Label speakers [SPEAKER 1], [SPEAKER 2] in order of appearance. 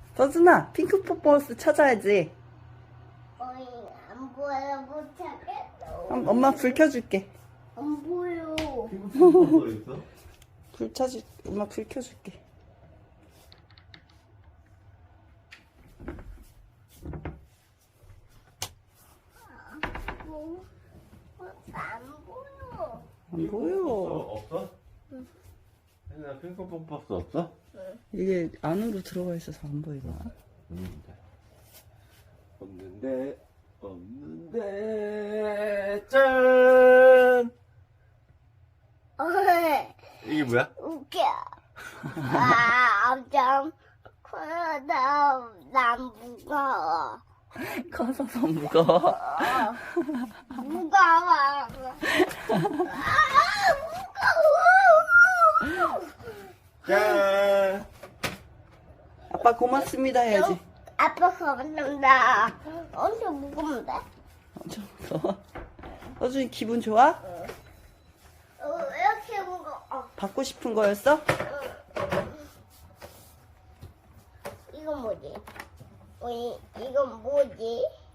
[SPEAKER 1] 서준아, 핑크 퍼포먼스 찾아야지.
[SPEAKER 2] 어이, 안 보여, 못 찾겠어.
[SPEAKER 1] 엄마 불 켜줄게.
[SPEAKER 2] 안 보여.
[SPEAKER 3] 핑크핑크 있어?
[SPEAKER 1] 엄마 불 켜줄게.
[SPEAKER 2] 안 보여.
[SPEAKER 1] 안 보여.
[SPEAKER 3] 없어? 응. 나 핑크퐁 박스 없어?
[SPEAKER 1] 이게 안으로 들어가 있어서 안 보이나?
[SPEAKER 3] 없는데 짠!
[SPEAKER 2] 어이,
[SPEAKER 3] 이게 뭐야?
[SPEAKER 2] 웃겨. 엄청 커서 난 무거워.
[SPEAKER 1] 커서서 무거워.
[SPEAKER 2] 무거워. 무거워.
[SPEAKER 3] 짠!
[SPEAKER 1] 아빠 고맙습니다 해야지.
[SPEAKER 2] 아빠 겁난다. 엄청 무거운데?
[SPEAKER 1] 엄청 무서워. 서준이 기분 좋아?
[SPEAKER 2] 이렇게 무거워.
[SPEAKER 1] 받고 싶은 거였어?
[SPEAKER 2] 이건 뭐지? 이건 뭐지?